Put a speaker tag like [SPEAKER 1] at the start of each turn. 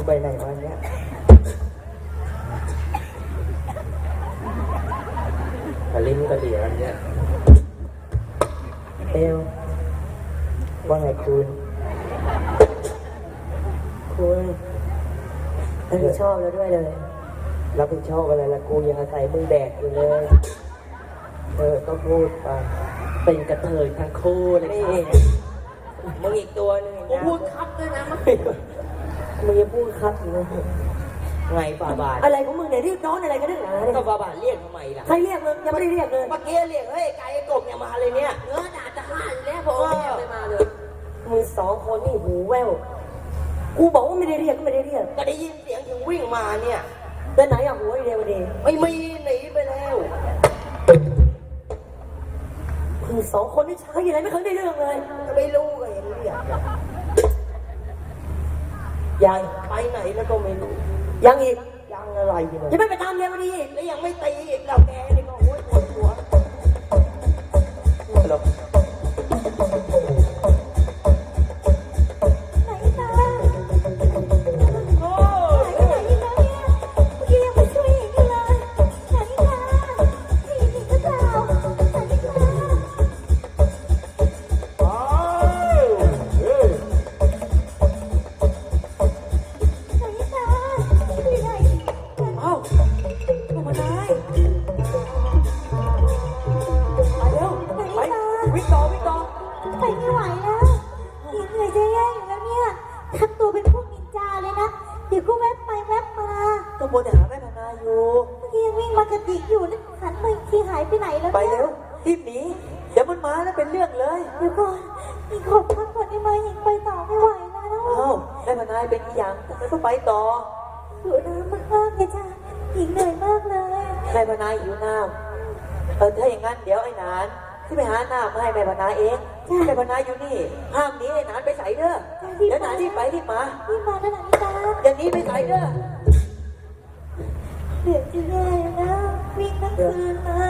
[SPEAKER 1] ไปไหนวะเนี่ยกระลิ้นกระเดี่ยเนี่ยเอวว่าไงคุณ
[SPEAKER 2] รับผิดชอบแล้วด้วยเลย
[SPEAKER 1] รับผิดชอบอะไรล่ะกูยังอาศัยมึงแดกอยู่เลยก็พูดไปเป็นกระเทยทั้งคู่เลยนี่มึงอีกตัวนึงนะพูดครับด้วยนะมึงยังพูดครับอยู่นะไงฝ่าบาท
[SPEAKER 2] อะไรของมึงเนี่ยรีบร้อนอะไรกันนักหนาเนี่ย
[SPEAKER 1] ก็ฝ่าบาทเรียกทำไมล่ะ
[SPEAKER 2] ใครเรียกมึงยังไม่ได้เรียกเลย
[SPEAKER 1] เมื่อกี้เรียกเฮ้ยไก่กบเนี่ยมาเลยเนี่ยเนื้อด่าจะฆ่าอยู่แล้วผมไม่มาเลย
[SPEAKER 2] มึงสองคนนี่หูแว่วกูบอกว่าไม่ได้เรียกก็ไม่ได้เรียก
[SPEAKER 1] ก็ได้ยินเสียงถึงวิ่งมาเนี่ย
[SPEAKER 2] แต่ไหนอะหัวเดียวดี
[SPEAKER 1] ไม่มีหนีไปแล้ว
[SPEAKER 2] มึงสองคนนี่ใช้อะไรไม่เคยได้เรื่องเลย
[SPEAKER 1] ก็ไม่รู้ก็เห็นเรียกยังไปไหนแล้วก็ไม่รู้
[SPEAKER 2] ยังอีก
[SPEAKER 1] ยังอะไรอยู่
[SPEAKER 2] ยังไม่ไปตามเรียนมาดี
[SPEAKER 1] แล้วยังไม่ตีอีกเราแกนี่ก็โอ้ยปวดหัวหรอไปเร็วรีบหนีเดี๋ยวมันมาแล้วเป็นเรื่องเลย
[SPEAKER 2] เดี๋ยวก่อนอีกขอบพักก่อนได้ไหมอีกไปต่อไม่ไหวแล้ว
[SPEAKER 1] แม่พนายเป็นอีหยังทำไมต้องไปต่อ
[SPEAKER 2] หิวน้ำมากเลยจ้ะอีกเหนื่อยมากเลย
[SPEAKER 1] แม่พนายหิวน้ำถ้าอย่างนั้นเดี๋ยวไอ้นานที่ไปหาน้ำมาให้แม่พนายเองแม่พนายอยู่นี่ห้ามหนีไอ้นานไปใส่เด้อเดี๋ยวนานรีบไปรีบมา
[SPEAKER 2] แล้วนะนิตา
[SPEAKER 1] อย่างนี้ไปใส่เด้อ
[SPEAKER 2] เดี๋ยวจะได้นะวิ่งทั้งคืนมา